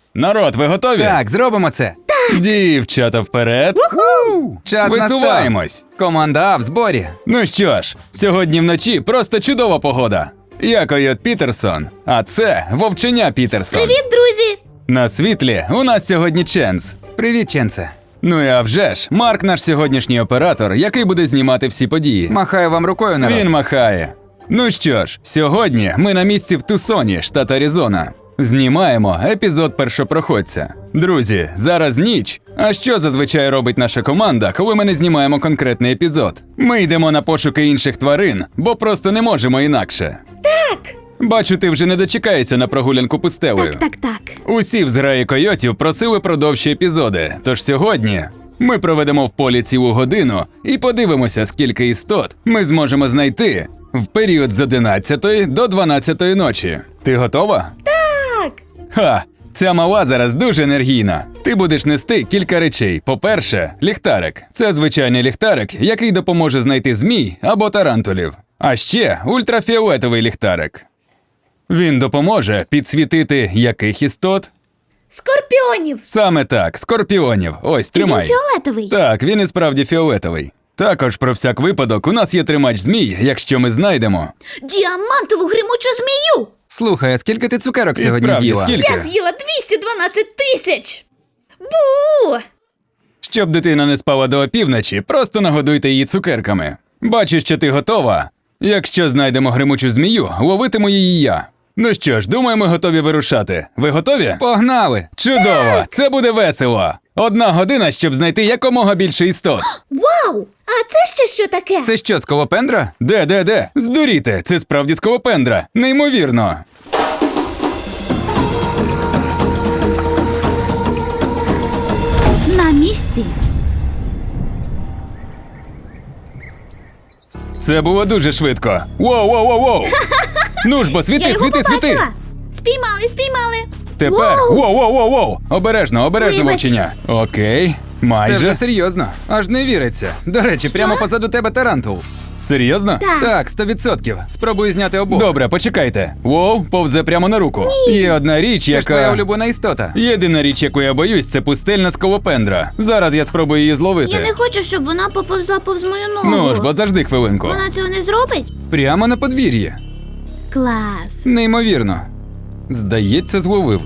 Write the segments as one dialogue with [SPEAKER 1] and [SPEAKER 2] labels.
[SPEAKER 1] Народ, ви готові?
[SPEAKER 2] Так, зробимо це.
[SPEAKER 1] Дівчата, вперед!
[SPEAKER 2] Час
[SPEAKER 1] Висуваємось!
[SPEAKER 2] настав. Команда А в зборі.
[SPEAKER 1] Ну що ж, сьогодні вночі просто чудова погода. Я Койот Пітерсон, а це Вовченя Пітерсон.
[SPEAKER 3] Привіт, друзі!
[SPEAKER 1] На світлі у нас сьогодні Ченс.
[SPEAKER 2] Привіт, Ченсе.
[SPEAKER 1] Ну і а вже ж, Марк наш сьогоднішній оператор, який буде знімати всі події.
[SPEAKER 2] Махаю вам рукою, народ.
[SPEAKER 1] Він махає. Ну що ж, сьогодні ми на місці в Тусоні, штат Аризона. Знімаємо епізод першопроходця. Друзі, зараз ніч. А що зазвичай робить наша команда, коли ми не знімаємо конкретний епізод? Ми йдемо на пошуки інших тварин, бо просто не можемо інакше.
[SPEAKER 3] Так!
[SPEAKER 1] Бачу, ти вже не дочекаєшся на прогулянку пустелею.
[SPEAKER 3] Так.
[SPEAKER 1] Усі в зграї койотів просили про довші епізоди, тож сьогодні ми проведемо в полі цілу годину і подивимося, скільки істот ми зможемо знайти в період з 11 до 12 ночі. Ти готова?
[SPEAKER 3] Так!
[SPEAKER 1] Ха! Ця мала зараз дуже енергійна. Ти будеш нести кілька речей. По-перше, ліхтарик. Це звичайний ліхтарик, який допоможе знайти змій або тарантулів. А ще ультрафіолетовий ліхтарик. Він допоможе підсвітити яких істот?
[SPEAKER 3] Скорпіонів!
[SPEAKER 1] Саме так, скорпіонів. Ось, тримай.
[SPEAKER 3] Він фіолетовий.
[SPEAKER 1] Так, він і справді фіолетовий. Також про всяк випадок у нас є тримач змій, якщо ми знайдемо.
[SPEAKER 3] Діамантову гримучу змію!
[SPEAKER 2] Слухай, а скільки ти цукерок
[SPEAKER 1] І
[SPEAKER 2] сьогодні
[SPEAKER 1] справді,
[SPEAKER 2] з'їла?
[SPEAKER 1] скільки?
[SPEAKER 3] Я з'їла 212 тисяч! Бу!
[SPEAKER 1] Щоб дитина не спала до опівночі, просто нагодуйте її цукерками. Бачу, що ти готова. Якщо знайдемо гримучу змію, ловитиму її я. Ну що ж, думаю, ми готові вирушати. Ви готові?
[SPEAKER 2] Погнали!
[SPEAKER 1] Чудово! Це буде весело! 1 година, щоб знайти якомога більше істот.
[SPEAKER 3] Вау! А це ще що таке?
[SPEAKER 2] Це що, сколопендра?
[SPEAKER 1] Де? Здуріте, це справді сколопендра. Неймовірно.
[SPEAKER 3] На місці.
[SPEAKER 1] Це було дуже швидко. Воу! Ну ж бо,
[SPEAKER 3] Я
[SPEAKER 1] світи,
[SPEAKER 3] його
[SPEAKER 1] світи!
[SPEAKER 3] побачила! Спіймали!
[SPEAKER 1] Тепер,
[SPEAKER 3] Воу!
[SPEAKER 1] воу! Обережно,
[SPEAKER 3] Вибач.
[SPEAKER 1] вовченя. Окей,
[SPEAKER 2] Це
[SPEAKER 1] майже.
[SPEAKER 2] вже серйозно. Аж не віриться. До речі, прямо позаду тебе тарантул.
[SPEAKER 1] Серйозно?
[SPEAKER 3] Так.
[SPEAKER 2] Так, 100%. Спробую зняти обох.
[SPEAKER 1] Добре, почекайте. Воу, повзе прямо на руку. Є одна річ,
[SPEAKER 2] Це ж твоя
[SPEAKER 1] яка...
[SPEAKER 2] улюблена істота.
[SPEAKER 1] Єдина річ, яку я боюсь, це пустельна сколопендра. Зараз я спробую її зловити.
[SPEAKER 3] Я не хочу, щоб вона поповзла повз мою ногу.
[SPEAKER 1] Ну ж, бо завжди хвилинку.
[SPEAKER 3] Вона цього не зробить?
[SPEAKER 2] Прямо на подвір'ї.
[SPEAKER 3] Клас.
[SPEAKER 2] Неймовірно.
[SPEAKER 1] Здається, зловив.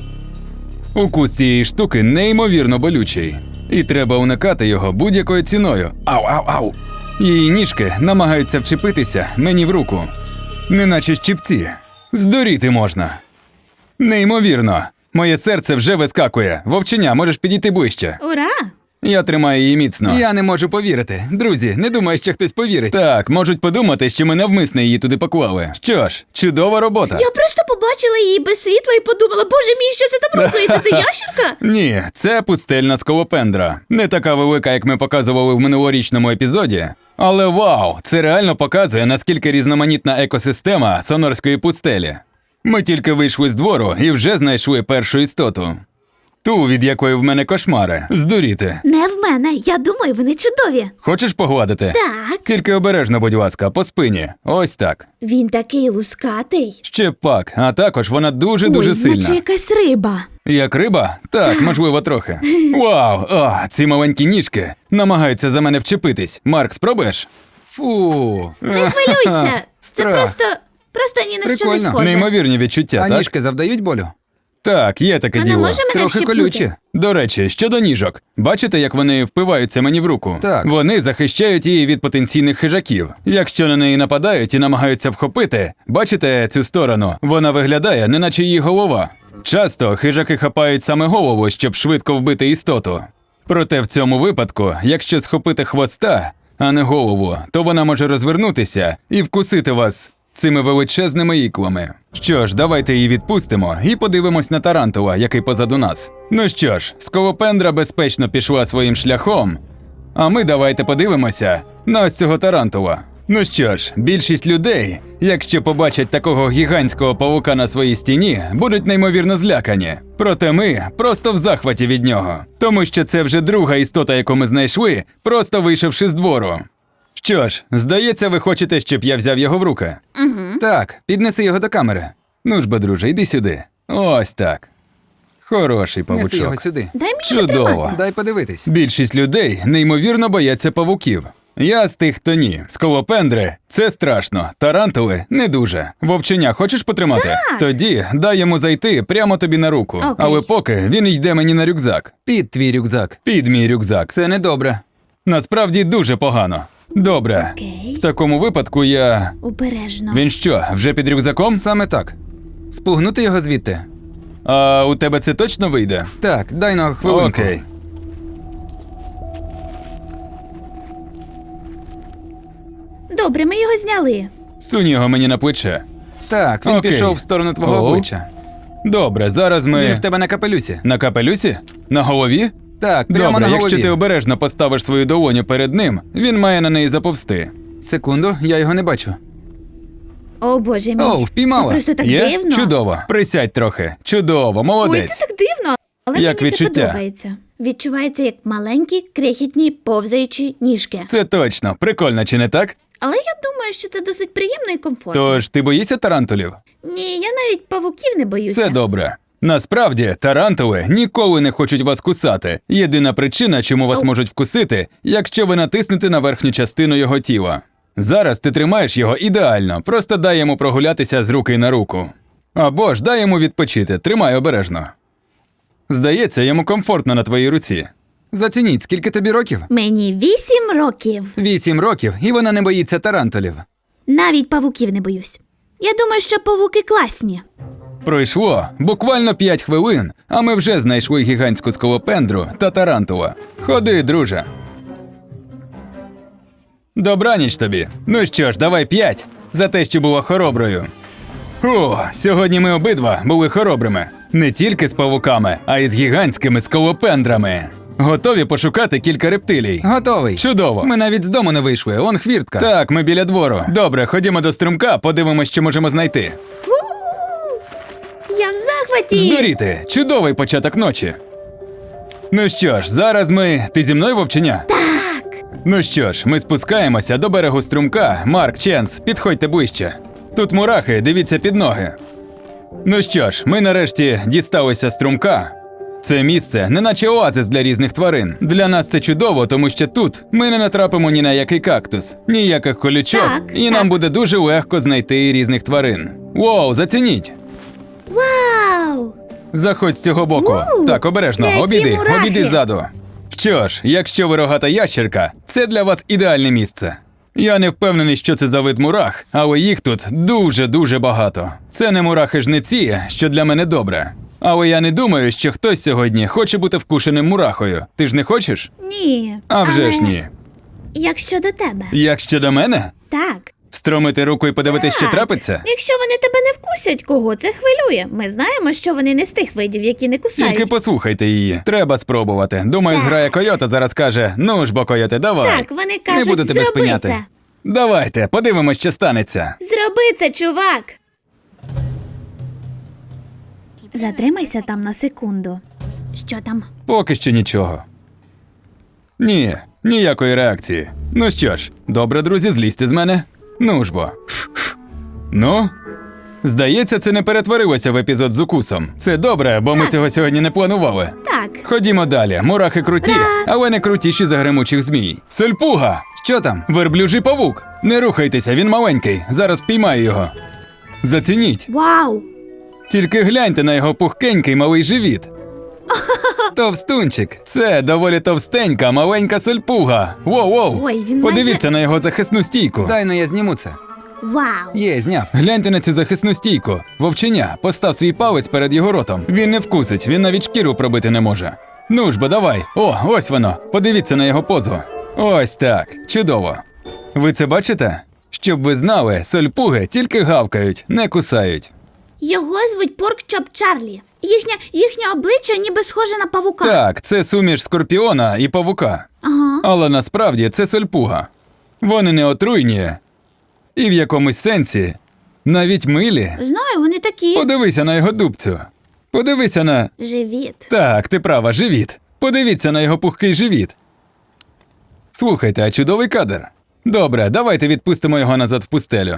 [SPEAKER 1] Укус цієї штуки неймовірно болючий. І треба уникати його будь-якою ціною. Ау! Її ніжки намагаються вчепитися мені в руку. Неначе щипці. Здуріти можна. Неймовірно. Моє серце вже вискакує. Вовченя, можеш підійти ближче.
[SPEAKER 3] Ура!
[SPEAKER 1] Я тримаю її міцно.
[SPEAKER 2] Я не можу повірити. Друзі, не думаю, що хтось повірить.
[SPEAKER 1] Так, можуть подумати, що ми навмисно її туди поклали. Що ж, чудова робота.
[SPEAKER 3] Я просто побачила її без світла і подумала, боже мій, що це там рухається? Це ящерка?
[SPEAKER 1] Ні, це пустельна сколопендра. Не така велика, як ми показували в минулорічному епізоді. Але вау, це реально показує, наскільки різноманітна екосистема Сонорської пустелі. Ми тільки вийшли з двору і вже знайшли першу істоту. Ту, від якої в мене кошмари. Здуріти.
[SPEAKER 3] Не в мене. Я думаю, вони чудові.
[SPEAKER 1] Хочеш погладити?
[SPEAKER 3] Так.
[SPEAKER 1] Тільки обережно, будь ласка, по спині. Ось так.
[SPEAKER 3] Він такий лускатий.
[SPEAKER 1] Ще пак, а також вона дуже-дуже
[SPEAKER 3] Ой,
[SPEAKER 1] сильна.
[SPEAKER 3] наче якась риба.
[SPEAKER 1] Як риба? Так, можливо, трохи. Вау! О, ці маленькі ніжки намагаються за мене вчепитись. Марк, спробуєш?
[SPEAKER 2] Фу.
[SPEAKER 3] Не хвилюйся. Це
[SPEAKER 2] Страх.
[SPEAKER 3] просто ні на що не
[SPEAKER 2] Прикольно.
[SPEAKER 3] схоже.
[SPEAKER 1] Неймовірні відчуття,
[SPEAKER 2] А
[SPEAKER 1] так?
[SPEAKER 2] ніжки завдають болю?
[SPEAKER 1] Так, є таке
[SPEAKER 3] Вона
[SPEAKER 1] діло.
[SPEAKER 3] може мене
[SPEAKER 2] Трохи
[SPEAKER 3] вщипнути?
[SPEAKER 2] колючі.
[SPEAKER 1] До речі, щодо ніжок. Бачите, як вони впиваються мені в руку?
[SPEAKER 2] Так.
[SPEAKER 1] Вони захищають її від потенційних хижаків. Якщо на неї нападають і намагаються вхопити, бачите цю сторону? Вона виглядає, неначе її голова. Часто хижаки хапають саме голову, щоб швидко вбити істоту. Проте в цьому випадку, якщо схопити хвоста, а не голову, то вона може розвернутися і вкусити вас цими величезними іклами. Що ж, давайте її відпустимо і подивимось на тарантула, який позаду нас. Ну що ж, сколопендра безпечно пішла своїм шляхом, а ми давайте подивимося на ось цього тарантула. Ну що ж, більшість людей, якщо побачать такого гігантського павука на своїй стіні, будуть неймовірно злякані. Проте ми просто в захваті від нього. Тому що це вже друга істота, яку ми знайшли, просто вийшовши з двору. Що ж, здається, ви хочете, щоб я взяв його в руки?
[SPEAKER 2] Так, піднеси його до камери.
[SPEAKER 1] Ну ж бо, друже, йди сюди. Ось так. Хороший
[SPEAKER 2] Неси його
[SPEAKER 1] павучок.
[SPEAKER 2] сюди.
[SPEAKER 3] Дай мені
[SPEAKER 1] Чудово.
[SPEAKER 3] потримати.
[SPEAKER 2] Дай подивитись.
[SPEAKER 1] Більшість людей неймовірно бояться павуків. Я з тих, хто ні. Сколопендри – це страшно. Тарантули – не дуже. Вовченя хочеш потримати?
[SPEAKER 3] Так.
[SPEAKER 1] Тоді дай йому зайти прямо тобі на руку.
[SPEAKER 3] Окей.
[SPEAKER 1] Але поки він йде мені на рюкзак.
[SPEAKER 2] Під твій рюкзак.
[SPEAKER 1] Під мій рюкзак.
[SPEAKER 2] Це недобре.
[SPEAKER 1] Насправді дуже погано. Добре.
[SPEAKER 3] Окей.
[SPEAKER 1] В такому випадку я...
[SPEAKER 3] Обережно.
[SPEAKER 1] Він що, вже під рюкзаком?
[SPEAKER 2] Саме так. Спугнути його звідти.
[SPEAKER 1] А у тебе це точно вийде?
[SPEAKER 2] Так, дай на хвилинку.
[SPEAKER 1] Окей.
[SPEAKER 3] Добре, ми його зняли.
[SPEAKER 1] Сунь його мені на плече.
[SPEAKER 2] Так, він
[SPEAKER 1] Окей.
[SPEAKER 2] пішов в сторону твого
[SPEAKER 1] О.
[SPEAKER 2] обличчя.
[SPEAKER 1] Добре, зараз ми...
[SPEAKER 2] Він в тебе на капелюсі.
[SPEAKER 1] На капелюсі? На голові?
[SPEAKER 2] Так, прямо
[SPEAKER 1] Добре,
[SPEAKER 2] на голові.
[SPEAKER 1] якщо ти обережно поставиш свою долоню перед ним, він має на неї заповзти.
[SPEAKER 2] Секунду, я його не бачу.
[SPEAKER 3] О, Боже мій.
[SPEAKER 2] О, впіймала.
[SPEAKER 3] Це просто так
[SPEAKER 1] Є?
[SPEAKER 3] дивно.
[SPEAKER 1] Чудово. Присядь трохи. Чудово,
[SPEAKER 3] Ой,
[SPEAKER 1] молодець.
[SPEAKER 3] це так дивно. Але
[SPEAKER 1] Як
[SPEAKER 3] мені
[SPEAKER 1] відчуття?
[SPEAKER 3] це подобається. Відчувається як маленькі, крихітні, повзаючі ніжки.
[SPEAKER 1] Це точно. Прикольно, чи не так?
[SPEAKER 3] Але я думаю, що це досить приємно і комфортно.
[SPEAKER 1] Тож ти боїшся тарантулів?
[SPEAKER 3] Ні, я навіть павуків не боюся.
[SPEAKER 1] Це добре. Насправді, тарантули ніколи не хочуть вас кусати. Єдина причина, чому вас можуть вкусити, якщо ви натиснете на верхню частину його тіла. Зараз ти тримаєш його ідеально, просто дай йому прогулятися з руки на руку. Або ж дай йому відпочити, тримай обережно. Здається, йому комфортно на твоїй руці.
[SPEAKER 2] Зацініть, скільки тобі років?
[SPEAKER 3] Мені 8 років.
[SPEAKER 2] 8 років, і вона не боїться тарантулів.
[SPEAKER 3] Навіть павуків не боюсь. Я думаю, що павуки класні.
[SPEAKER 1] Пройшло буквально 5 хвилин, а ми вже знайшли гігантську сколопендру та тарантула. Ходи, друже. Добраніч тобі. Ну що ж, давай 5 за те, що була хороброю. О, сьогодні ми обидва були хоробрими. Не тільки з павуками, а й з гігантськими сколопендрами. Готові пошукати кілька рептилій.
[SPEAKER 2] Готовий.
[SPEAKER 1] Чудово.
[SPEAKER 2] Ми навіть з дому не вийшли, он хвіртка.
[SPEAKER 1] Так, ми біля двору. Добре, ходімо до струмка, подивимось, що можемо знайти.
[SPEAKER 3] Я в захваті.
[SPEAKER 1] Здуріти! Чудовий початок ночі. Ну що ж, зараз ми. Ти зі мною, вовченя?
[SPEAKER 3] Так.
[SPEAKER 1] Ну що ж, ми спускаємося до берегу струмка. Марк, Ченс, підходьте ближче. Тут мурахи, дивіться під ноги. Ну що ж, ми нарешті дісталися струмка. Це місце неначе оазис для різних тварин. Для нас це чудово, тому що тут ми не натрапимо ні на який кактус, ніяких колючок,
[SPEAKER 3] Так,
[SPEAKER 1] і
[SPEAKER 3] так.
[SPEAKER 1] нам буде дуже легко знайти різних тварин. Воу, зацініть!
[SPEAKER 3] Вау!
[SPEAKER 1] Заходь з цього боку.
[SPEAKER 3] Вау,
[SPEAKER 1] Так, обережно,
[SPEAKER 3] святі
[SPEAKER 1] обійди,
[SPEAKER 3] мурахи.
[SPEAKER 1] обійди ззаду. Що ж, якщо ви рогата ящерка, це для вас ідеальне місце. Я не впевнений, що це за вид мурах, але їх тут дуже-дуже багато. Це не мурахи-жниці, що для мене добре. Але я не думаю, що хтось сьогодні хоче бути вкушеним мурахою. Ти ж не хочеш?
[SPEAKER 3] Ні.
[SPEAKER 1] А вже
[SPEAKER 3] але
[SPEAKER 1] ж ні.
[SPEAKER 3] Як щодо тебе?
[SPEAKER 1] Як щодо мене?
[SPEAKER 3] Так.
[SPEAKER 1] Встромити руку і подивитись, що
[SPEAKER 3] Так.
[SPEAKER 1] трапиться?
[SPEAKER 3] Якщо вони тебе не вкусять, кого це хвилює? Ми знаємо, що вони не з тих видів, які не кусають.
[SPEAKER 1] Тільки послухайте її. Треба спробувати. Думаю,
[SPEAKER 3] Так.
[SPEAKER 1] зграя койота зараз каже: ну ж бо, койоте, давай.
[SPEAKER 3] Так, вони кажуть,
[SPEAKER 2] буду тебе
[SPEAKER 3] зроби
[SPEAKER 2] спиняти.
[SPEAKER 3] це.
[SPEAKER 1] Давайте, подивимось, що станеться.
[SPEAKER 3] Зроби це, чувак. Затримайся там на секунду. Що там?
[SPEAKER 1] Поки що нічого. Ні, ніякої реакції. Ну що ж, добре, друзі, злізьте з мене. Ну ж бо. Ну? Здається, це не перетворилося в епізод з укусом. Це добре, бо ми цього сьогодні не планували.
[SPEAKER 3] Так.
[SPEAKER 1] Ходімо далі. Мурахи круті, але не крутіші за гремучих змій. Сольпуга!
[SPEAKER 2] Що там?
[SPEAKER 1] Верблюжий павук! Не рухайтеся, він маленький. Зараз піймаю його. Зацініть.
[SPEAKER 3] Вау!
[SPEAKER 1] Тільки гляньте на його пухкенький малий живіт.
[SPEAKER 2] Товстунчик.
[SPEAKER 1] Це доволі товстенька, маленька сольпуга. Воу-воу.
[SPEAKER 3] Ой, він
[SPEAKER 1] Подивіться на його захисну стійку.
[SPEAKER 2] Дай ну я зніму це.
[SPEAKER 3] Вау!
[SPEAKER 2] Є, зняв.
[SPEAKER 1] Гляньте на цю захисну стійку. Вовченя, постав свій палець перед його ротом. Він не вкусить, він навіть шкіру пробити не може. Ну ж бо, давай. О, ось воно. Подивіться на його позу. Ось так. Чудово. Ви це бачите? Щоб ви знали, сольпуги тільки гавкають, не кусають.
[SPEAKER 3] Його звуть Поркчоп Чарлі. Їхнє обличчя ніби схоже на павука.
[SPEAKER 1] Так, це суміш скорпіона і павука.
[SPEAKER 3] Ага.
[SPEAKER 1] Але насправді це сольпуга. Вони не отруйні. І в якомусь сенсі навіть милі.
[SPEAKER 3] Знаю, вони такі.
[SPEAKER 1] Подивися на його дубцю. Подивися на.
[SPEAKER 3] Живіт.
[SPEAKER 1] Так, ти права, живіт. Подивіться на його пухкий живіт. Слухайте, а чудовий кадр. Добре, давайте відпустимо його назад в пустелю.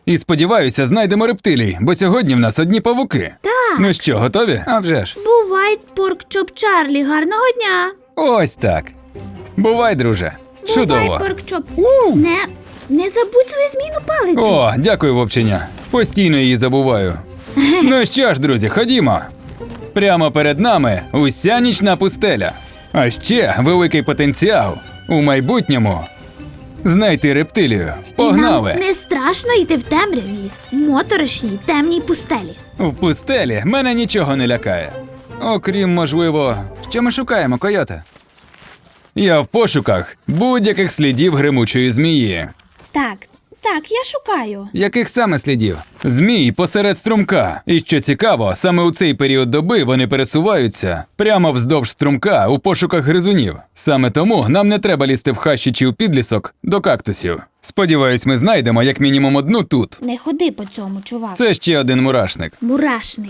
[SPEAKER 1] І сподіваюся, знайдемо рептилій, бо сьогодні в нас одні павуки.
[SPEAKER 3] Так.
[SPEAKER 1] Ну що, готові?
[SPEAKER 2] А вже ж.
[SPEAKER 3] Бувай, порк-чоп Чарлі, гарного дня.
[SPEAKER 1] Ось так. Бувай, друже. Чудово.
[SPEAKER 3] Бувай, порк-чоп. Не забудь свою змійну палицю.
[SPEAKER 1] О, дякую, вовченя. Постійно її забуваю. Ну що ж, друзі, ходімо. Прямо перед нами уся нічна пустеля. А ще великий потенціал у майбутньому знайти рептилію. Погнали!
[SPEAKER 3] І нам не страшно йти в темряві, моторошній, темній пустелі.
[SPEAKER 1] В пустелі мене нічого не лякає. Окрім, можливо,
[SPEAKER 2] Що ми шукаємо, койоте?
[SPEAKER 1] я в пошуках будь-яких слідів гримучої змії.
[SPEAKER 3] Так, я шукаю.
[SPEAKER 2] Яких саме слідів?
[SPEAKER 1] Змій посеред струмка. І що цікаво, саме у цей період доби вони пересуваються прямо вздовж струмка у пошуках гризунів. Саме тому нам не треба лізти в хащі чи у підлісок до кактусів. Сподіваюсь, ми знайдемо як мінімум одну тут.
[SPEAKER 3] Не ходи по цьому, чувак.
[SPEAKER 1] Це ще один мурашник.
[SPEAKER 3] Мурашник.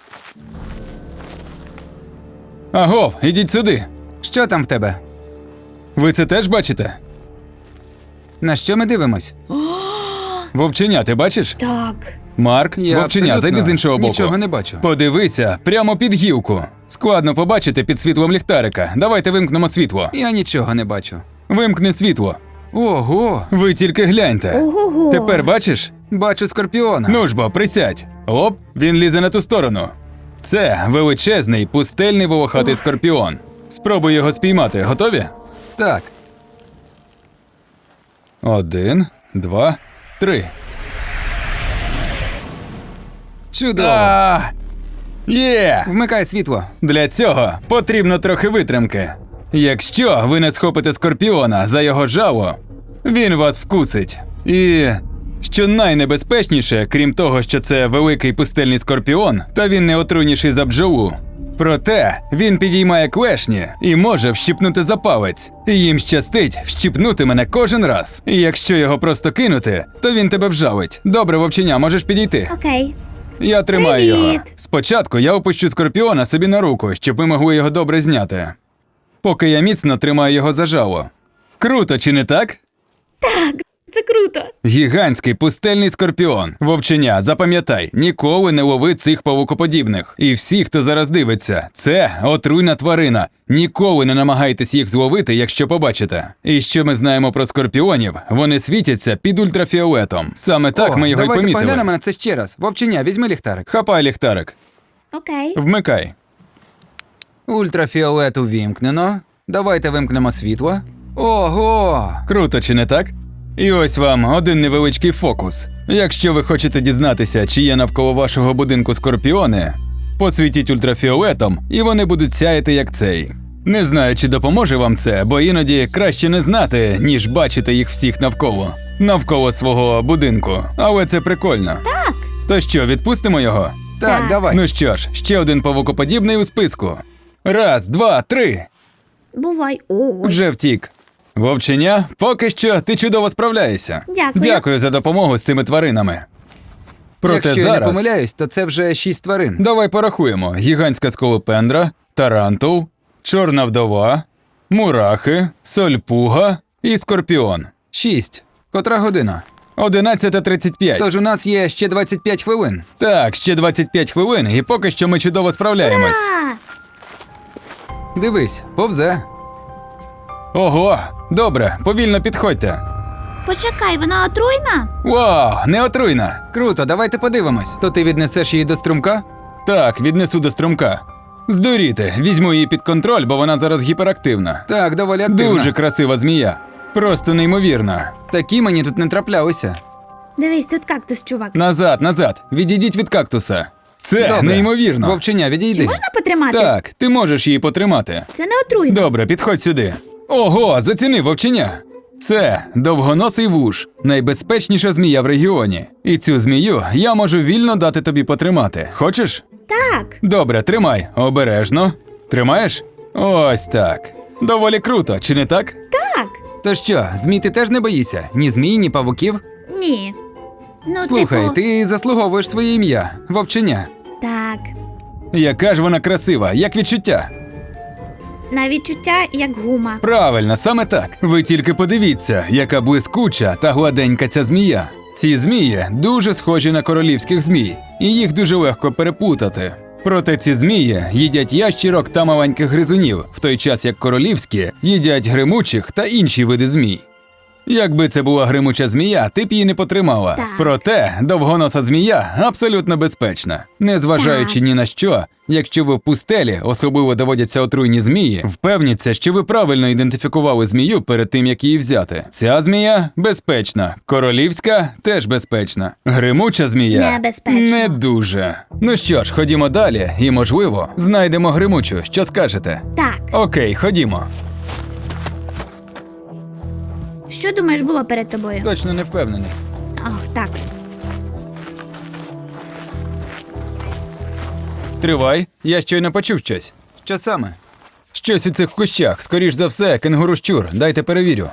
[SPEAKER 1] Агов, ідіть сюди.
[SPEAKER 2] Що там в тебе?
[SPEAKER 1] Ви це теж бачите?
[SPEAKER 2] На що ми дивимось?
[SPEAKER 1] Вовченя, ти бачиш?
[SPEAKER 3] Так.
[SPEAKER 1] Марк,
[SPEAKER 2] Я
[SPEAKER 1] вовченя,
[SPEAKER 2] абсолютно
[SPEAKER 1] зайди з іншого боку.
[SPEAKER 2] нічого не бачу.
[SPEAKER 1] Подивися, прямо під гілку. Складно побачити під світлом ліхтарика. Давайте вимкнемо світло.
[SPEAKER 2] Я нічого не бачу.
[SPEAKER 1] Вимкни світло.
[SPEAKER 2] Ого!
[SPEAKER 1] Ви тільки гляньте.
[SPEAKER 3] Ого-го.
[SPEAKER 1] Тепер бачиш?
[SPEAKER 2] Бачу скорпіона.
[SPEAKER 1] Ну ж бо, присядь. Оп, він лізе на ту сторону. Це величезний пустельний волохатий скорпіон. Спробуй його спіймати. Готові?
[SPEAKER 2] Так.
[SPEAKER 1] 1, 2, 3.
[SPEAKER 2] Чудово.
[SPEAKER 1] Є!
[SPEAKER 2] Вмикай світло.
[SPEAKER 1] Для цього потрібно трохи витримки. Якщо ви не схопите скорпіона за його жало, він вас вкусить. І що найнебезпечніше, крім того, що це великий пустельний скорпіон, та він не отруйніший за бджолу. Проте він підіймає клешні і може вщипнути за палець. І їм щастить вщипнути мене кожен раз. І якщо його просто кинути, то він тебе вжалить. Добре, вовченя, можеш підійти.
[SPEAKER 3] Окей.
[SPEAKER 1] Я тримаю
[SPEAKER 3] Привіт!
[SPEAKER 1] його. Спочатку я опущу скорпіона собі на руку, щоб ми могли його добре зняти. Поки я міцно тримаю його за жало. Круто, чи не так?
[SPEAKER 3] Це круто.
[SPEAKER 1] Гігантський пустельний скорпіон. Вовченя, запам'ятай, ніколи не лови цих павукоподібних. І всі, хто зараз дивиться, це отруйна тварина. Ніколи не намагайтесь їх зловити, якщо побачите. І що ми знаємо про скорпіонів, вони світяться під ультрафіолетом. Саме так ми його й
[SPEAKER 2] давайте
[SPEAKER 1] помітили.
[SPEAKER 2] поглянемо на це ще раз. Вовченя, візьми ліхтарик.
[SPEAKER 1] Хапай ліхтарик.
[SPEAKER 3] Окей.
[SPEAKER 1] Вмикай.
[SPEAKER 2] Ультрафіолет увімкнено. Давайте вимкнемо світло. Ого!
[SPEAKER 1] Круто, чи не так? І ось вам один невеличкий фокус. Якщо ви хочете дізнатися, чи є навколо вашого будинку скорпіони, посвітіть ультрафіолетом, і вони будуть сяяти як цей. Не знаю, чи допоможе вам це, бо іноді краще не знати, ніж бачити їх всіх навколо. Навколо свого будинку. Але це прикольно.
[SPEAKER 3] Так.
[SPEAKER 1] То що, відпустимо його?
[SPEAKER 2] Так, давай.
[SPEAKER 1] Ну що ж, ще один павукоподібний у списку. 1, 2, 3.
[SPEAKER 3] Бувай. О.
[SPEAKER 1] Вже втік. Вовченя, поки що ти чудово справляєшся.
[SPEAKER 3] Дякую.
[SPEAKER 1] Дякую за допомогу з цими тваринами. Проте
[SPEAKER 2] Якщо я
[SPEAKER 1] зараз
[SPEAKER 2] не помиляюсь, то це вже 6 тварин.
[SPEAKER 1] давай порахуємо: гігантська сколопендра, тарантул, чорна вдова, мурахи, сольпуга і скорпіон.
[SPEAKER 2] 6. Котра година?
[SPEAKER 1] 11:35.
[SPEAKER 2] Тож у нас є ще 25 хвилин.
[SPEAKER 1] Так, ще 25 хвилин, і поки що ми чудово справляємось.
[SPEAKER 3] А,
[SPEAKER 2] Дивись, повзе.
[SPEAKER 1] Ого, добре, повільно підходьте.
[SPEAKER 3] почекай, вона отруйна?
[SPEAKER 1] Вау, не отруйна.
[SPEAKER 2] Круто, давайте подивимось. То ти віднесеш її до струмка?
[SPEAKER 1] Так, віднесу до струмка. Здуріти, візьму її під контроль, бо вона зараз гіперактивна.
[SPEAKER 2] Так, доволі активно.
[SPEAKER 1] Дуже красива змія. Просто неймовірна.
[SPEAKER 2] Такі мені тут не траплялися.
[SPEAKER 3] Дивись, тут кактус, чувак.
[SPEAKER 1] Назад, назад. Відійдіть від кактуса. Це
[SPEAKER 2] Добре.
[SPEAKER 1] неймовірно.
[SPEAKER 2] Вовченя,
[SPEAKER 3] Чи
[SPEAKER 2] відійди.
[SPEAKER 3] можна потримати?
[SPEAKER 1] Так, ти можеш її потримати.
[SPEAKER 3] Це не отруйно.
[SPEAKER 1] Добре, підходь сюди. Ого, заціни вовченя. Це довгоносий вуж, найбезпечніша змія в регіоні. І цю змію я можу вільно дати тобі потримати. Хочеш?
[SPEAKER 3] Так.
[SPEAKER 1] Добре, тримай. Обережно. Тримаєш? Ось так. Доволі круто, чи не так?
[SPEAKER 3] Так.
[SPEAKER 2] То що, змій ти теж не боїшся? Ні змій, ні павуків?
[SPEAKER 3] Ні. Ну,
[SPEAKER 2] Слухай,
[SPEAKER 3] типу,
[SPEAKER 2] ти заслуговуєш своє ім'я. Вовченя.
[SPEAKER 3] Так.
[SPEAKER 1] Яка ж вона красива, як відчуття?
[SPEAKER 3] На відчуття, як гума.
[SPEAKER 1] Правильно, саме так. Ви тільки подивіться, яка блискуча та гладенька ця змія. Ці змії дуже схожі на королівських змій, і їх дуже легко переплутати. Проте ці змії їдять ящірок та маленьких гризунів, в той час як королівські їдять гримучих та інші види змій. Якби це була гримуча змія, ти б її не потримала.
[SPEAKER 3] Так.
[SPEAKER 1] Проте довгоноса змія абсолютно безпечна. Незважаючи ні на що, якщо ви в пустелі, особливо доводяться отруйні змії, впевніться, що ви правильно ідентифікували змію перед тим, як її взяти. Ця змія безпечна, королівська теж безпечна. Гримуча змія
[SPEAKER 3] Небезпечна.
[SPEAKER 1] не дуже. Ну що ж, ходімо далі і, можливо, знайдемо гримучу. Що скажете?
[SPEAKER 3] Так.
[SPEAKER 1] Окей, ходімо.
[SPEAKER 3] Що думаєш було перед тобою?
[SPEAKER 1] Точно не впевнений.
[SPEAKER 3] Ах, так.
[SPEAKER 1] Стривай, я щойно почув щось.
[SPEAKER 2] Що саме?
[SPEAKER 1] Щось у цих кущах, скоріш за все, кенгуру-щур. Дайте перевірю.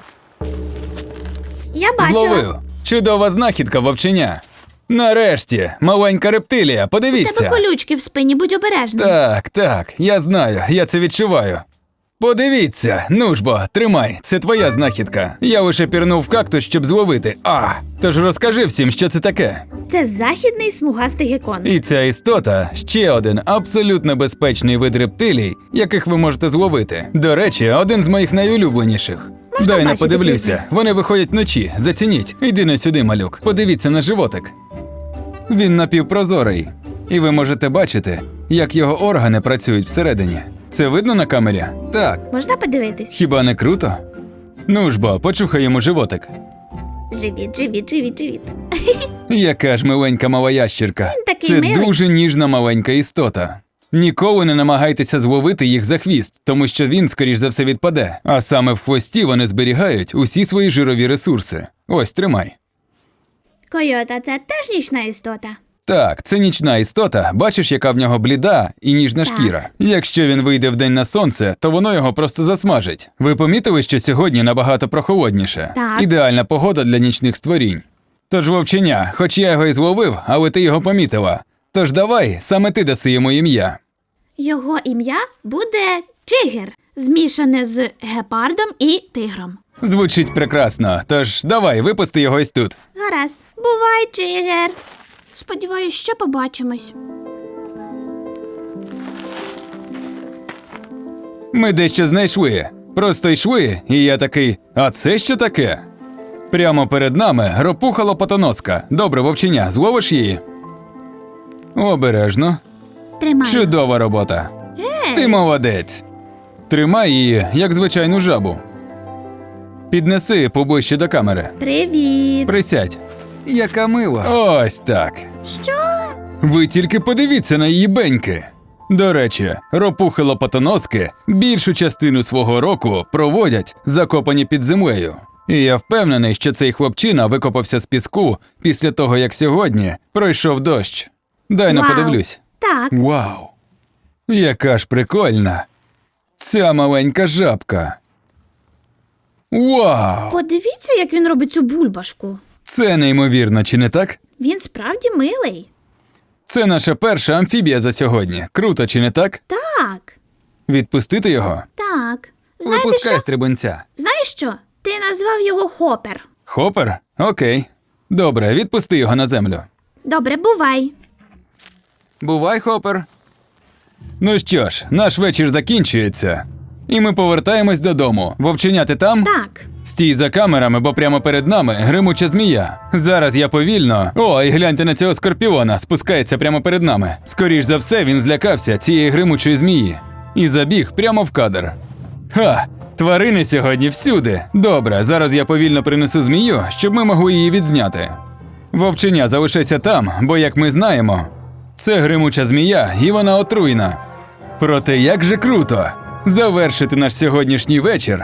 [SPEAKER 3] Я бачила.
[SPEAKER 1] Зловив. Чудова знахідка, вовченя. Нарешті, маленька рептилія,
[SPEAKER 3] У тебе
[SPEAKER 1] подивіться.
[SPEAKER 3] колючки в спині, будь обережний.
[SPEAKER 1] Так, я знаю, я це відчуваю. Подивіться, ну ж бо, тримай, це твоя знахідка. Я лише пірнув в кактус, щоб зловити. Тож розкажи всім, що це таке.
[SPEAKER 3] Це західний смугастий геккон.
[SPEAKER 1] І ця істота ще один абсолютно безпечний вид рептилій, яких ви можете зловити. До речі, один з моїх найулюбленіших.
[SPEAKER 3] Можна
[SPEAKER 1] Дай не
[SPEAKER 3] бачити
[SPEAKER 1] подивлюся.
[SPEAKER 3] пізніше?
[SPEAKER 1] Вони виходять вночі. Зацініть. Іди на сюди, малюк. Подивіться на животик. Він напівпрозорий. І ви можете бачити, як його органи працюють всередині. Це видно на камері?
[SPEAKER 2] Так.
[SPEAKER 3] Можна подивитись?
[SPEAKER 1] Хіба не круто? Ну ж бо, почухай йому животик.
[SPEAKER 3] Живіт.
[SPEAKER 1] Яка ж миленька мала ящірка.
[SPEAKER 3] Він такий
[SPEAKER 1] Це
[SPEAKER 3] милий.
[SPEAKER 1] дуже ніжна маленька істота. Ніколи не намагайтеся зловити їх за хвіст, тому що він, скоріш за все, відпаде. А саме в хвості вони зберігають усі свої жирові ресурси. Ось, тримай.
[SPEAKER 3] Койота – це теж нічна істота.
[SPEAKER 1] Так, це нічна істота, бачиш, яка в нього бліда і ніжна
[SPEAKER 3] Так.
[SPEAKER 1] шкіра. Якщо він вийде вдень на сонце, то воно його просто засмажить. Ви помітили, що сьогодні набагато прохолодніше?
[SPEAKER 3] Так.
[SPEAKER 1] Ідеальна погода для нічних створінь. Тож, вовченя, хоч я його і зловив, але ти його помітила. Тож давай, саме ти даси йому ім'я.
[SPEAKER 3] Його ім'я буде Чигир, змішане з гепардом і тигром.
[SPEAKER 1] Звучить прекрасно, тож давай, випусти його ось тут.
[SPEAKER 3] Гаразд. Бувай, Чигир. Сподіваюсь, ще побачимось.
[SPEAKER 1] Ми дещо знайшли. Просто йшли, і я такий, а це що таке? Прямо перед нами ропуха лопатоноска. Добре, вовченя, зловиш її? Обережно.
[SPEAKER 3] Тримай.
[SPEAKER 1] Чудова робота. Ти молодець. Тримай її, як звичайну жабу. Піднеси поближче до камери.
[SPEAKER 3] Привіт.
[SPEAKER 1] Присядь.
[SPEAKER 2] Яка мила.
[SPEAKER 1] Ось так.
[SPEAKER 3] Що?
[SPEAKER 1] Ви тільки подивіться на її беньки. До речі, ропухи лопатоноски більшу частину свого року проводять закопані під землею. І я впевнений, що цей хлопчина викопався з піску після того, як сьогодні пройшов дощ. Дай но
[SPEAKER 3] Вау.
[SPEAKER 1] подивлюсь.
[SPEAKER 3] Так.
[SPEAKER 1] Вау! Яка ж прикольна! Ця маленька жабка. Вау!
[SPEAKER 3] Подивіться, як він робить цю бульбашку.
[SPEAKER 1] Це неймовірно, чи не так?
[SPEAKER 3] Він справді милий.
[SPEAKER 1] Це наша перша амфібія за сьогодні. Круто, чи не так?
[SPEAKER 3] Так.
[SPEAKER 1] Відпустити його?
[SPEAKER 3] Так. Знаєте
[SPEAKER 2] Випускай
[SPEAKER 3] що?
[SPEAKER 2] стрибунця.
[SPEAKER 3] Знаєш що? Ти назвав його Хопер.
[SPEAKER 1] Хопер? Окей. Добре, відпусти його на землю.
[SPEAKER 3] Добре, бувай.
[SPEAKER 2] Бувай, Хопер.
[SPEAKER 1] Ну що ж, наш вечір закінчується. І ми повертаємось додому. Вовченя, ти там?
[SPEAKER 3] Так.
[SPEAKER 1] Стій за камерами, бо прямо перед нами гримуча змія. Зараз я повільно. О, і гляньте на цього скорпіона, спускається прямо перед нами. Скоріш за все, він злякався цієї гримучої змії. І забіг прямо в кадр. Ха! Тварини сьогодні всюди. Добре, зараз я повільно принесу змію, щоб ми могли її відзняти. Вовченя, залишайся там, бо, як ми знаємо, це гримуча змія, і вона отруйна. Проте як же круто завершити наш сьогоднішній вечір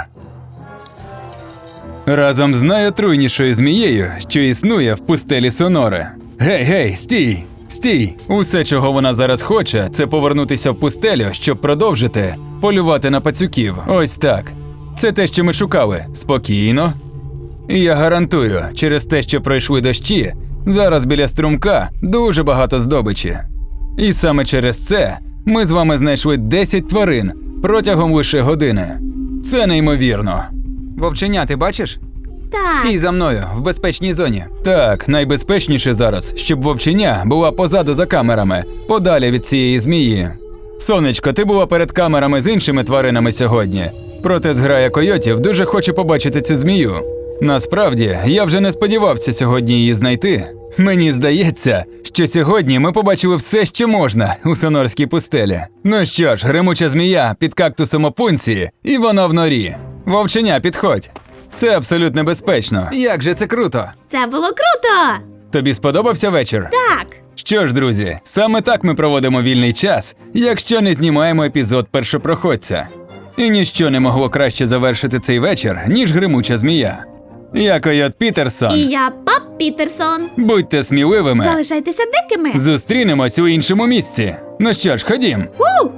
[SPEAKER 1] разом з найотруйнішою змією, що існує в пустелі Соноре. Гей, стій! Стій! Усе, чого вона зараз хоче, це повернутися в пустелю, щоб продовжити полювати на пацюків. Ось так. Це те, що ми шукали. Спокійно. І я гарантую, через те, що пройшли дощі, зараз біля струмка дуже багато здобичі. І саме через це ми з вами знайшли 10 тварин протягом лише години. Це неймовірно.
[SPEAKER 2] Вовченя, ти бачиш?
[SPEAKER 3] Так.
[SPEAKER 2] Стій за мною, в безпечній зоні.
[SPEAKER 1] Так, найбезпечніше зараз, щоб вовченя була позаду за камерами, подалі від цієї змії. Сонечко, ти була перед камерами з іншими тваринами сьогодні. Проте зграя койотів дуже хоче побачити цю змію. Насправді, я вже не сподівався сьогодні її знайти. Мені здається, що сьогодні ми побачили все, що можна у Сонорській пустелі. Ну що ж, гримуча змія під кактусом опунції, і вона в норі. Вовченя, підходь. Це абсолютно безпечно.
[SPEAKER 2] Як же це круто!
[SPEAKER 3] Це було круто!
[SPEAKER 1] Тобі сподобався вечір?
[SPEAKER 3] Так.
[SPEAKER 1] Що ж, друзі, саме так ми проводимо вільний час, якщо не знімаємо епізод першопроходця. І ніщо не могло краще завершити цей вечір, ніж гримуча змія. Я Койот Пітерсон.
[SPEAKER 3] І я Пап Пітерсон.
[SPEAKER 1] Будьте сміливими.
[SPEAKER 3] Залишайтеся дикими.
[SPEAKER 1] Зустрінемось у іншому місці. Ну що ж, ходім.
[SPEAKER 3] У!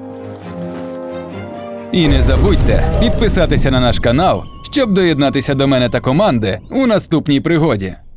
[SPEAKER 1] І не забудьте підписатися на наш канал, щоб доєднатися до мене та команди у наступній пригоді.